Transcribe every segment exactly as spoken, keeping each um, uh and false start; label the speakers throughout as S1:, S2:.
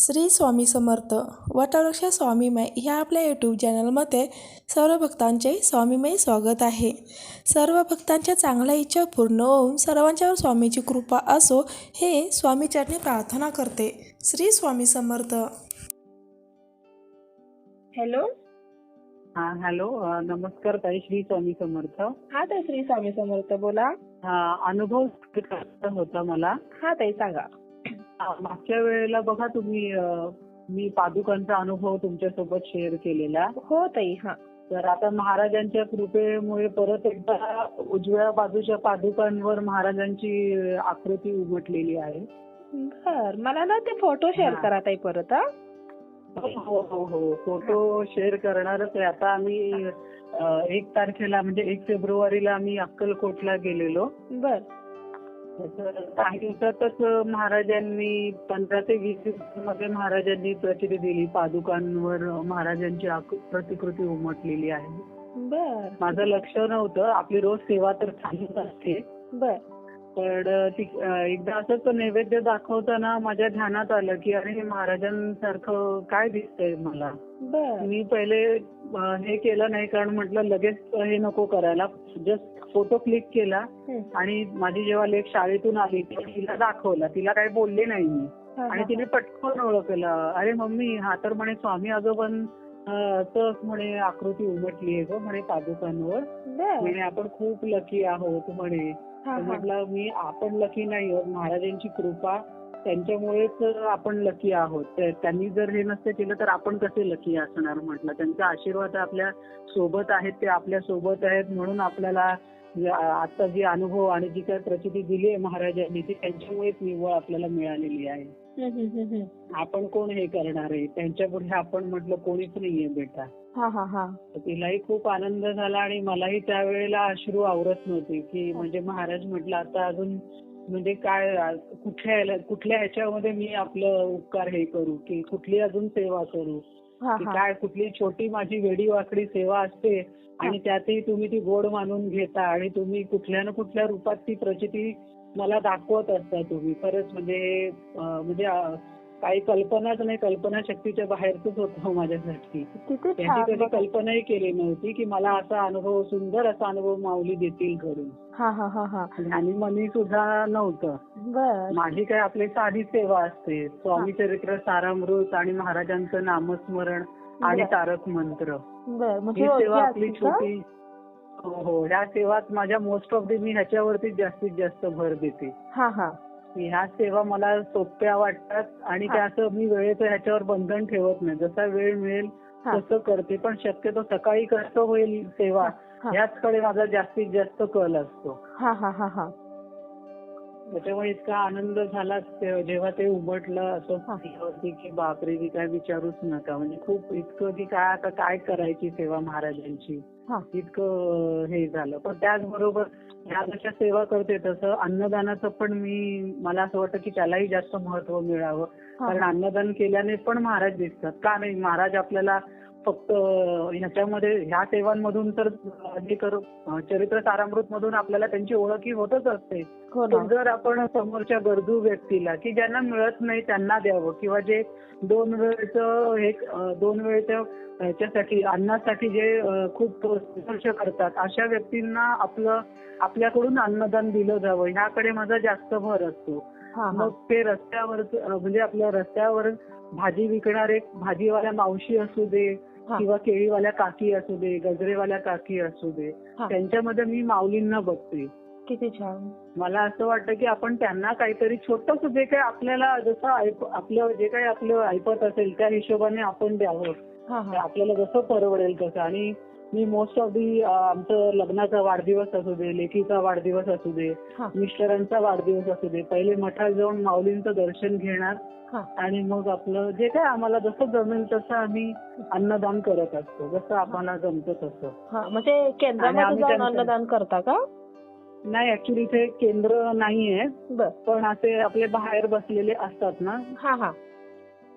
S1: श्री स्वामी समर्थ वटवृक्ष स्वामीमय ह्या आपल्या यूट्यूब चॅनलमध्ये सर्व भक्तांचे स्वामीमय स्वागत आहे. सर्व भक्तांच्या चांगल्या इच्छा पूर्ण होऊन सर्वांच्यावर स्वामीची कृपा असो हे स्वामीचरणी प्रार्थना करते. श्री स्वामी समर्थ.
S2: हॅलो.
S3: हा हॅलो. अ, नमस्कार ताई. श्री स्वामी समर्थ.
S2: हा ताई, श्री स्वामी समर्थ. बोला.
S3: हा अनुभव सांगायचा होता मला.
S2: हा ताई, सांगा.
S3: हा, मागच्या वेळेला बघा तुम्ही अ, मी पादुकांचा अनुभव तुमच्यासोबत शेअर केलेला.
S2: हो ताई. हा
S3: तर आता महाराजांच्या कृपेमुळे परत एकदा उजव्या बाजूच्या पादुकांवर महाराजांची आकृती उमटलेली आहे.
S2: बर, मला ना ते फोटो शेअर
S3: हा.
S2: करा ताई परत. हा
S3: हो हो हो फोटो शेअर करणारच आहे. आता आम्ही अ, एक तारखेला म्हणजे एक फेब्रुवारीला आम्ही अक्कलकोटला गेलेलो.
S2: बर.
S3: तर काही दिवसातच महाराजांनी पंधरा ते वीस दिवसांमध्ये महाराजांनी प्रचिती दिली. पादुकांवर महाराजांची आक- प्रतिकृती उमटलेली आहे.
S2: बर.
S3: माझं लक्ष नव्हतं. आपली रोज सेवा तर चालूच असते.
S2: बर.
S3: पण ती अ, एकदा असंच नैवेद्य दाखवताना माझ्या ध्यानात आलं की अरे हे महाराजांसारखं काय दिसतंय मला.
S2: बर.
S3: मी पहिले अ, हे केलं नाही, कारण म्हटलं लगेच हे नको करायला. जस्ट फोटो क्लिक केला
S2: हं.
S3: आणि माझी जेव्हा लेक शाळेतून आली तेव्हा तिला दाखवला. तिला काही बोलले नाही मी.
S2: हा,
S3: आणि
S2: हा,
S3: तिने पटकन ओळखलं. अरे मम्मी, हा तर म्हणे स्वामी आजोबां असं म्हणे आकृती उमटली आहे ग म्हणे पादुकांवर.
S2: बर.
S3: म्हणे आपण खूप लकी आहोत म्हणे.
S2: हा,
S3: तर
S2: हा.
S3: म्हटलं मी आपण लकी नाही आहोत, महाराजांची कृपा त्यांच्यामुळेच आपण लकी आहोत. ते- त्यांनी जर हे नसतं केलं तर आपण कसे लकी असणार म्हटलं. त्यांचा आशीर्वाद आपल्या सोबत आहेत, ते आपल्या सोबत आहेत म्हणून आपल्याला जे आ- आता जी अनुभव आणि जी काही प्रचिती दिली आहे महाराजांनी ती त्यांच्यामुळेच निव्वळ आपल्याला मिळालेली आहे.
S2: हं, हं, हं, हं.
S3: आपण कोण हे करणार आहे, त्यांच्यापुढे आपण म्हटलं कोणीच नाहीये बेटा.
S2: हा, हा, हा.
S3: तर तिलाही खूप आनंद झाला आणि मलाही त्यावेळेला अश्रू आवरत नव्हते की म्हणजे महाराज म्हटलं आता अजून म्हणजे काय आ- कुठल्या ह्याला- कुठल्या ह्याच्यामध्ये मी आपलं उपकार हे करू की कुठली अजून सेवा करू
S2: हा,
S3: की
S2: हा.
S3: काय कुठली छोटी माझी वेडी वाकडी सेवा असते आणि त्यातही तुम्ही ती गोड मानून घेता आणि तुम्ही कुठल्या ना कुठल्या रूपात ती प्रचिती मला दाखवत असता तुम्ही. खरंच म्हणजे हे, अं, म्हणजे अं, काही कल्पनाच नाही, कल्पना शक्तीच्या बाहेरच होतं माझ्यासाठी.
S2: किती
S3: त्यांची
S2: छान.
S3: कधी
S2: बघा.
S3: कल्पनाही केली नव्हती की मला असा अनुभव, सुंदर असा अनुभव माऊली देतील घरून.
S2: हा, हा, हा, हा.
S3: आणि मनी सुद्धा नव्हतं.
S2: बर.
S3: माझी काय आपली साधी सेवा असते. स्वामी चरित्र सारामृत आणि महाराजांचं नामस्मरण आणि
S2: बरं.
S3: तारक मंत्र
S2: बर, म्हणजे
S3: ही
S2: रोजची
S3: सेवा आपली
S2: असते का?
S3: छोटी. हो हो ह्या सेवात माझ्या मोस्ट ऑफ दी मी ह्याच्यावरती जास्तीत जास्त भर देते.
S2: हा, हा.
S3: ह्या सेवा मला सोप्या वाटतात आणि
S2: हा.
S3: त्या असं मी वेळेचं ह्याच्यावर बंधन ठेवत नाही. जसा वेळ मिळेल
S2: हा.
S3: तसं करते. पण शक्यतो सकाळी कसं होईल सेवा
S2: हा.
S3: ह्याचकडे माझा जास्तीत जास्त कल असतो.
S2: हा, हा, हा, हा.
S3: त्याच्यामुळे इतका आनंद झाला ते- जेव्हा ते उमटलं असं
S2: हा.
S3: होती की बापरे, की काय विचारूच नका. म्हणजे खूप इतकं की काय आता काय करायची सेवा महाराजांची,
S2: हा.
S3: इतकं हे झालं. पण त्याचबरोबर ह्या जशा सेवा करते तसं अन्नदानाचं पण मी, मला असं वाटतं की त्यालाही जास्त महत्व मिळावं.
S2: हा.
S3: कारण अन्नदान केल्याने पण महाराज दिसतात. का नाही, महाराज आपल्याला फक्त ह्याच्यामध्ये ह्या सेवांमधून तर हे करू, चरित्र सारामृत मधून आपल्याला त्यांची ओळखही होतच असते.
S2: हो ना.
S3: पण जर आपण समोरच्या गरजू व्यक्तीला की ज्यांना मिळत नाही त्यांना द्यावं, किंवा जे दोन वेळचं हे अं, दोन वेळच्या ह्याच्यासाठी अन्नासाठी जे अं, खूप संघर्ष करतात अशा व्यक्तींना आपलं आपल्याकडून अन्नदान दिलं जावं ह्याकडे माझा जास्त भर असतो.
S2: हा, हा.
S3: मग ते रस्त्यावर म्हणजे आपल्या रस्त्यावर भाजी विकणारे भाजीवाल्या मावशी असू दे
S2: हा.
S3: किंवा केळीवाल्या काकी असू दे, गजरेवाल्या काकी असू दे,
S2: हा.
S3: त्यांच्यामध्ये मी माऊलींना बघते.
S2: किती छान.
S3: मला असं वाटतं की आपण त्यांना काहीतरी छोटंसं जे काही आपल्याला जसं ऐप- आपलं जे काही आपलं ऐपत असेल त्या हिशोबाने आपण द्यावं.
S2: हा,
S3: ते
S2: हा.
S3: आपल्याला जसं परवडेल तसं. आणि मी मोस्ट ऑफ दी आमचं लग्नाचा वाढदिवस असू दे, लेकीचा वाढदिवस असू दे,
S2: हा.
S3: मिस्टरांचा वाढदिवस असू दे, पहिले मठात जाऊन माऊलींचं दर्शन घेणार
S2: हा.
S3: आणि मग आपलं जे काय आम्हाला जसं जमेल तसं आम्ही अन्नदान करत असतो. जसं आम्हाला जमतं तसं.
S2: हा, म्हणजे केंद्रामध्ये
S3: आणि आम्ही
S2: जाऊन
S3: त्यांचं-
S2: अन्नदान करता का?
S3: नाही, ऍक्च्युली इथे केंद्र नाहीये,
S2: बर.
S3: पण असे आपले बाहेर बसलेले असतात ना,
S2: हा, हा.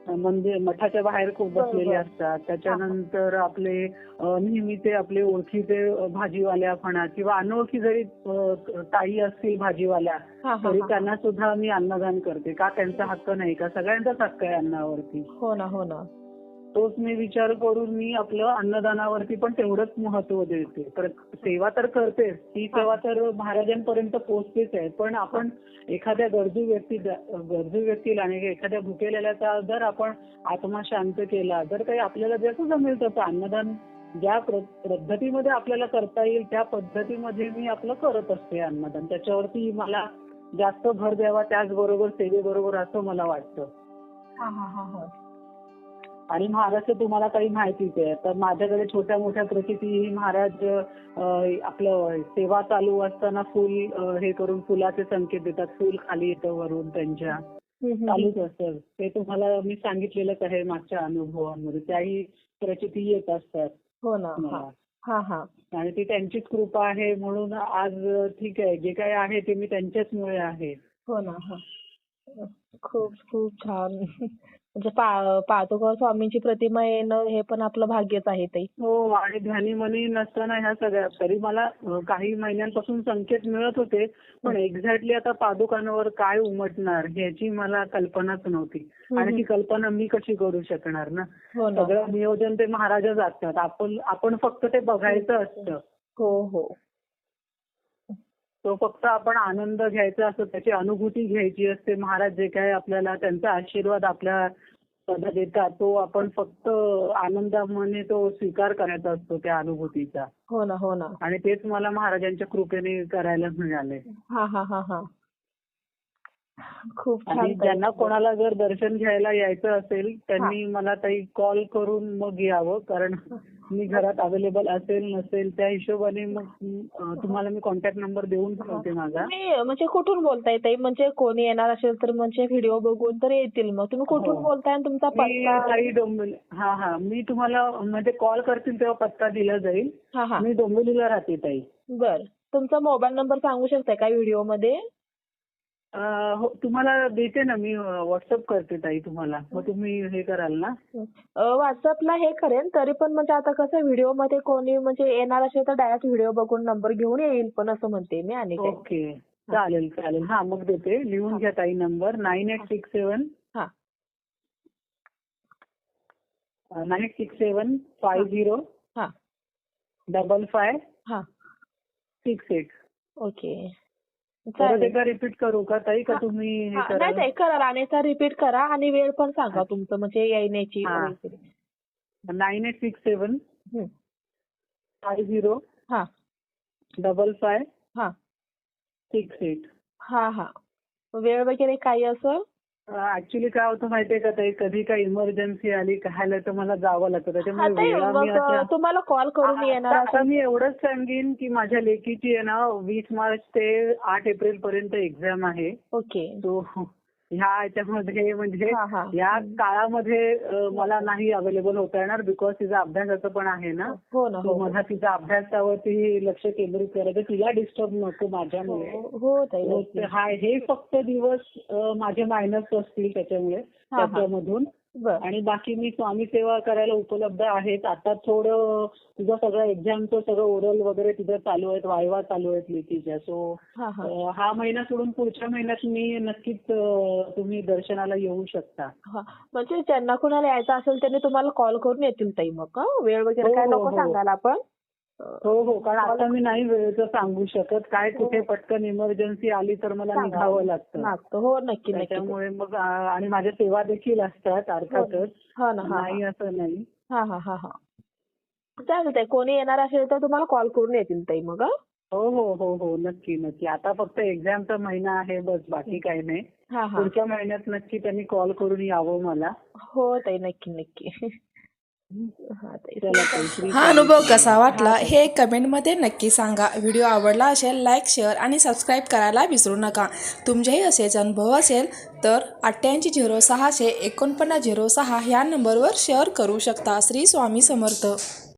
S3: मंदिर मठाच्या बाहेर खूप बसलेले असतात. त्याच्यानंतर आपले अ, नेहमीचे आपले ओळखीचे अ, भाजीवाल्या म्हणा किंवा अनोळखी जरी अ, ताई असतील भाजीवाल्या
S2: हा हा
S3: तरी
S2: हा.
S3: त्यांना सुद्धा मी अन्नदान करते. का त्यांचा हक्क नाही का? सगळ्यांचाच हक्क आहे अन्नावरती.
S2: हो ना हो ना.
S3: तोच मी विचार करून मी आपलं अन्नदानावरती पण तेवढंच महत्व देते. तर सेवा तर करतेच, ती सेवा तर महाराजांपर्यंत पोहोचतेच आहे. पण आपण एखाद्या गरजू व्यक्ती गरजू व्यक्तीला आणि एखाद्या भुकेलेल्याचा जर आपण आत्मा शांत केला, जर काही आपल्याला जसं जमेल तसं अन्नदान ज्या प्र- पद्धतीमध्ये आपल्याला करता येईल त्या पद्धतीमध्ये मी आपलं करत असते अन्नदान. त्याच्यावरती मला जास्त भर द्यावा, त्याचबरोबर सेवेबरोबर असं मला वाटतं.
S2: हा हा हा हा.
S3: आणि महाराज तुम्हाला काही माहितीच आहे. तर माझ्याकडे छोट्या मोठ्या प्रचिती महाराज अं, आपलं सेवा चालू असताना फुल अं, हे करून फुलाचे संकेत देतात. फुल खाली येतं वरून त्यांच्या
S2: हम्म, हम्म,
S3: चालूच असतं. ते तुम्हाला मी सांगितलेलंच आहे मागच्या अनुभवांमध्ये. त्याही प्रचिती येत असतात
S2: हो ना. हा
S3: मला.
S2: हा हा.
S3: आणि ती त्यांचीच कृपा आहे म्हणून आज ठीक आहे, जे काही आहे ते मी त्यांच्याचमुळे आहे.
S2: हो ना. हा. खूप खूप छान. म्हणजे पा पादुका स्वामींची प्रतिमा येणं हे पण आपलं भाग्यच आहे ताई.
S3: हो, आणि ध्यानी मनी नसताना ह्या सगळ्या तरी मला अ, काही महिन्यांपासून संकेत मिळत होते, पण एक्झॅक्टली आता पादुकांवर काय उमटणार ह्याची मला कल्पनाच नव्हती. आणि ती कल्पना मी कशी करू शकणार ना.
S2: हो ना.
S3: सगळं नियोजन ते महाराजच असतात. आपण आपण फक्त ते बघायचं असतं.
S2: हो हो.
S3: तो फक्त आपण आनंद घ्यायचा असतो, त्याची अनुभूती घ्यायची असते. महाराज जे काय आपल्याला त्यांचा आशीर्वाद आपल्या पदा देतात तो आपण फक्त आनंदाने तो स्वीकार करायचा असतो त्या अनुभूतीचा.
S2: हो ना हो ना.
S3: आणि तेच मला महाराजांच्या कृपेने करायला मिळाले.
S2: हा हा हा हा. खूप छान
S3: आणि
S2: ताई.
S3: ज्यांना कोणाला जर दर्शन घ्यायला यायचं असेल त्यांनी मला ताई कॉल करून मग यावं, कारण मी घरात अवेलेबल असेल नसेल त्या हिशोबाने मग अं, तुम्हाला मी कॉन्टॅक्ट नंबर देऊन ठेवते माझा.
S2: तुम्ही म्हणजे कुठून बोलताय ताई? म्हणजे कोणी येणार असेल तर म्हणजे व्हिडिओ बघून तर येतील. मग तुम्ही कुठून
S3: हो.
S2: बोलताय आणि तुमचा
S3: मी
S2: पत्ता?
S3: ताई डोंबिवली. हा हा मी तुम्हाला म्हणजे कॉल करतील तेव्हा पत्ता दिला जाईल.
S2: हा हा.
S3: मी डोंबिवलीला राहते ताई.
S2: बर. तुमचा मोबाईल नंबर सांगू शकताय का व्हिडिओ मध्ये?
S3: अं, हो, तुम्हाला देते ना मी, व्हॉट्सअप करते ताई तुम्हाला. मग तुम्ही हे कराल ना.
S2: व्हॉट्सअपला हे करेन, तरी पण म्हणजे आता कसं व्हिडिओ मध्ये कोणी म्हणजे येणार असेल तर डायरेक्ट व्हिडिओ बघून नंबर घेऊन येईल पण असं म्हणते मी. आणि काय?
S3: ओके, चालेल चालेल. हा मग देते, लिहून घ्या ताई नंबर. नाईन एट सिक्स सेवन
S2: हा
S3: nine eight six seven five zero
S2: हा
S3: डबल फाय
S2: हा.
S3: Six eight.
S2: ओके.
S3: परत
S2: चालेल.
S3: एकदा रिपीट करू का ताई, का तुम्ही हे
S2: हा, नाही
S3: करा?
S2: ताई करा, राणेचा रिपीट करा आणि वेळ पण सांगा तुमचं म्हणजे येण्याची
S3: हा.
S2: वगैरे.
S3: Nine eight six seven
S2: hmm.
S3: Five zero
S2: हा
S3: डबल फाय
S2: हा
S3: सिक्स एट.
S2: हा हा. वेळ वगैरे काही असं?
S3: ऍक्च्युली काय होतं माहितीये का ताई, कधी काही इमर्जन्सी आली काय तर मला जावं लागतं.
S2: हा
S3: त्याच्यामुळे
S2: ताई,
S3: वेळा मी
S2: मग
S3: अशा
S2: तुम्हाला कॉल करून येणार
S3: आता आता
S2: असेल.
S3: मी एवढंच सांगेन की माझ्या लेकीची आहे ना वीस मार्च ते आठ एप्रिल पर्यंत एक्झाम आहे.
S2: ओके.
S3: तो ह्या याच्यामध्ये म्हणजे
S2: हा, हा.
S3: या काळामध्ये अ, मला नाही अवेलेबल होता येणार, बिकॉज तिचा अभ्यासाचं पण आहे ना.
S2: हो ना.
S3: तो
S2: हो
S3: मला तिचा अभ्यासावरती लक्ष केंद्रित करायचं, तिला डिस्टर्ब नको माझ्यामुळे.
S2: हो हो ताई.
S3: हो,
S2: नक्की.
S3: ते हा हे फक्त दिवस अ, माझे मायनस असतील त्याच्यामुळे
S2: हा, हा.
S3: त्याच्यामधून.
S2: बर.
S3: आणि बाकी मी स्वामी सेवा करायला उपलब्ध आहेत. आता थोडं तुझं सगळं एक्झामचं सगळं ओरल वगैरे तिथं चालू आहेत, वायवा चालू आहेत लेखीच्या. सो
S2: हा हा.
S3: हा महिना सोडून पुढच्या महिन्यात मी नक्कीच अ, तुम्ही दर्शनाला येऊ शकता.
S2: हा, म्हणजे ज्यांना कुणाला यायचं असेल त्यांनी तुम्हाला कॉल करून येतील ताई मग. हं? वेळ वगैरे
S3: हो,
S2: काय
S3: हो,
S2: नको
S3: हो.
S2: सांगायला आपण.
S3: हो हो, कारण आता मी नाही वेळेचं सांगू शकत. काय कुठे पटकन इमर्जन्सी आली तर मला
S2: सांगा.
S3: निघावं लागतं.
S2: लागतं. हो नक्की नक्की.
S3: त्याच्यामुळे मग आ, आणि माझ्या सेवा देखील असतात अर्थातच.
S2: हा ना. हा
S3: नाही
S2: हा.
S3: असं नाही.
S2: हा हा हा हा. चालेल ताई, कोणी येणार असेल तर तुम्हाला कॉल करून येतील ताई मग. हं?
S3: हो हो हो हो, नक्की नक्की. आता फक्त एक्झामचा महिना आहे बस, बाकी काही नाही.
S2: हा हा.
S3: पुढच्या महिन्यात नक्की त्यांनी कॉल करून यावं मला.
S2: हो ताई, नक्की नक्की. हा ताई.
S3: चला ताई, श्री
S1: हा
S3: स्वामी
S1: अनुभव
S3: समर्थ.
S1: कसा वाटला हे कमेंटमध्ये नक्की सांगा. व्हिडिओ आवडला असेल लाईक शेअर आणि सबस्क्राईब करायला विसरू नका. तुमचेही असेच अनुभव असेल तर अठ्ठ्याऐंशी झिरो सहाशे एकोणपन्नास झिरो सहा ह्या नंबरवर शेअर करू शकता. श्री स्वामी समर्थ.